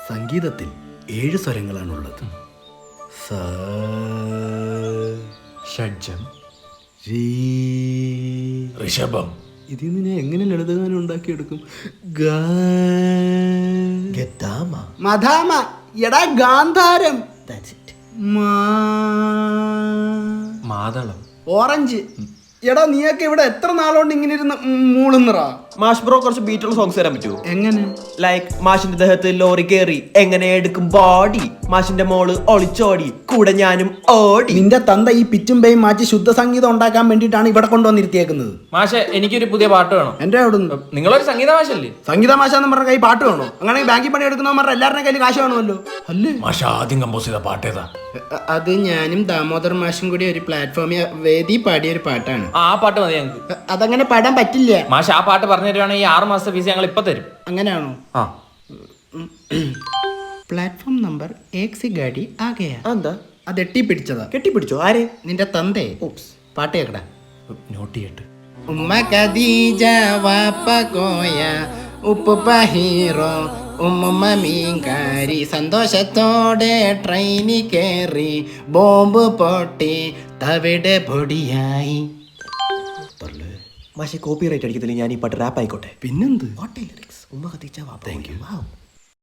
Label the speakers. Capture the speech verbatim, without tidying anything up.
Speaker 1: സംഗീതത്തിൽ ഏഴ് സ്വരങ്ങളാണുള്ളത്. സ,
Speaker 2: ഷഡ്ജം,
Speaker 1: രീ,
Speaker 2: ഋഷഭം.
Speaker 1: ഇതിൽ നിന്ന് ഞാൻ എങ്ങനെ ലളിതഗാനം ഉണ്ടാക്കിയെടുക്കും? ഗ,
Speaker 2: ഗദ്ദാമ,
Speaker 1: മധാമ, എടാ ഗാന്ധാരം, മാ,
Speaker 2: മാതളം.
Speaker 1: ഓറഞ്ച്. എടാ നീയൊക്കെ ഇവിടെ എത്ര നാളുകൊണ്ട് ഇങ്ങനെ ഇരുന്ന് മൂളുന്നറാ?
Speaker 3: മാഷ് ബ്രോ കുറച്ച് ബീറ്റുള്ള സോങ്സ് തരാൻ പറ്റുമോ?
Speaker 1: എങ്ങനെ?
Speaker 3: ലൈക്ക് മാഷിന്റെ ദേഹത്ത് ലോറി കേറി എങ്ങനെ എടുക്കും ബോഡി, മാഷിന്റെ മോള് ഒളിച്ചോടി കൂടെ ഞാനും ഓടി.
Speaker 1: നിന്റെ തന്ത ഈ പിച്ചും പേയും മാറ്റി ശുദ്ധ സംഗീതം ഉണ്ടാക്കാൻ വേണ്ടിയിട്ടാണ് ഇവിടെ കൊണ്ടുവന്നിരുത്തിയേക്കുന്നത്.
Speaker 2: മാഷെ, എനിക്കൊരു പുതിയ പാട്ട് വേണം.
Speaker 1: എന്റെ അവിടെ
Speaker 2: നിങ്ങളൊരു സംഗീത മാഷല്ലേ?
Speaker 1: സംഗീത മാഷാന്ന് പറഞ്ഞ കൈ പാട്ട് വേണോ? അങ്ങനെ ബാങ്കിൽ പണി എടുക്കുന്നവന്മാരുടെ എല്ലാവരുടെ കയ്യിൽ കാശ് വേണമല്ലോ അല്ലേ?
Speaker 2: മാഷ ആദ്യം കമ്പോസ് ചെയ്ത പാട്ടേതാ?
Speaker 1: അത് ഞാനും ദാമോദർ മാഷും കൂടി ഒരു പ്ലാറ്റ്ഫോമിൽ വേദി പാടിയ ഒരു പാട്ടാണ്.
Speaker 2: ആ പാട്ട് മതി ഞങ്ങൾക്ക്.
Speaker 1: അതങ്ങനെ പാടാൻ പറ്റില്ല.
Speaker 2: മാഷ ആ പാട്ട് പറഞ്ഞു തരുവാണെങ്കിൽ ആറ് മാസത്തെ ഫീസ് ഞങ്ങൾ ഇപ്പൊ തരും.
Speaker 1: അങ്ങനെയാണോ?
Speaker 2: ആ.
Speaker 1: പ്ലാറ്റ്ഫോം നമ്പർ ഏക് സി ഗാഡി ആ ഗയാ.
Speaker 3: എന്താ
Speaker 1: അത് എട്ടി പിടിച്ചതാ.
Speaker 3: കെട്ടിപ്പിടിച്ചോ? ആരെ?
Speaker 1: നിന്റെ തന്തേ. പാട്ട് കേക്കടാ.
Speaker 2: നോട്ട് ചെയ്യട്ട്.
Speaker 1: ഉമ്മ ഖദീജ വാപ്പ കോയ ഉപ്പുപ്പ ഹീറോ ഉമ്മ മീൻകാരി സന്തോഷത്തോടെ ട്രെയിനിൽ കയറി ബോംബ് പൊട്ടി തവിടെ പൊടിയായി.
Speaker 3: മാഷെ കോപ്പി റൈറ്റ് അടിക്കത്തില്ല, ഞാൻ ഈ പാട്ട് റാപ്പ് ആയിക്കോട്ടെ.
Speaker 1: പിന്നെന്ത്?
Speaker 3: ഉമ്മ ഖദീജ വാപ്പ.
Speaker 1: Thank U.